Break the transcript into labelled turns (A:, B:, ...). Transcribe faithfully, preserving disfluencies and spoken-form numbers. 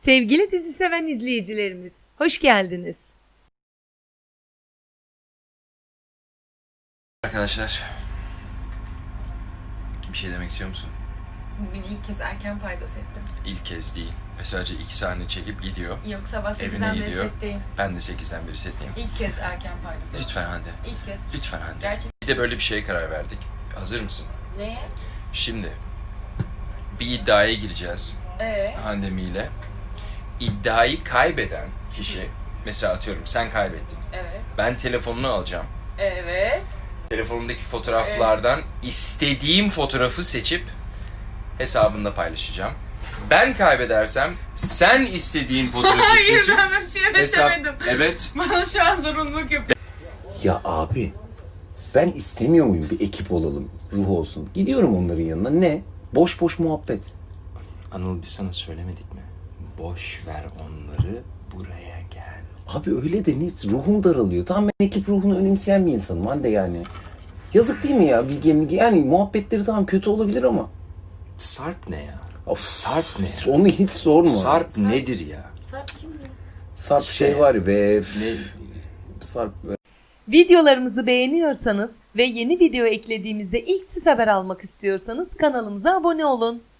A: Sevgili dizi seven izleyicilerimiz, hoş geldiniz.
B: Arkadaşlar, bir şey demek istiyor musun?
C: Bugün ilk kez erken paydos ettim.
B: İlk kez değil ve sadece iki sahne çekip gidiyor.
C: Yok, sabah
B: Evine
C: sekizden beri
B: gidiyor.
C: setteyim.
B: Ben de sekizden beri setteyim.
C: İlk kez erken paydos ettim.
B: Lütfen Hande.
C: İlk kez.
B: Lütfen Hande.
C: Gerçekten.
B: Bir de böyle bir şeye karar verdik. Hazır mısın?
C: Neye?
B: Şimdi bir iddiaya gireceğiz
C: Ee?
B: Handemi ile. İddiayı kaybeden kişi, mesela atıyorum sen kaybettin.
C: Evet.
B: Ben telefonunu alacağım.
C: Evet.
B: Telefonumdaki fotoğraflardan istediğim fotoğrafı seçip hesabında paylaşacağım. Ben kaybedersem sen istediğin fotoğrafı
C: Hayır,
B: seçip
C: ben böyle bir şey
B: hesap...
C: demedim.
B: Evet.
C: Bana şu an zorunluluk yapıyor.
D: Ya abi, ben istemiyor muyum bir ekip olalım, ruh olsun? Gidiyorum onların yanına, ne? Boş boş muhabbet.
B: Anıl, biz sana söylemedik mi? Boş ver onları, buraya gel.
D: Abi öyle de ne? Ruhum daralıyor. Tamam, ben ekip ruhunu önemseyen bir insanım Hande yani. Yazık değil mi ya Bilge Milge? Yani muhabbetleri tamam kötü olabilir ama.
B: Sarp ne ya?
D: Of,
B: Sarp ne ya?
D: Onu hiç sorma.
B: Sarp, Sarp nedir ya?
C: Sarp kimdi?
D: Sarp
B: İşte.
D: şey var ya be.
B: Ne?
D: Sarp.
A: Videolarımızı beğeniyorsanız ve yeni video eklediğimizde ilk siz haber almak istiyorsanız kanalımıza abone olun.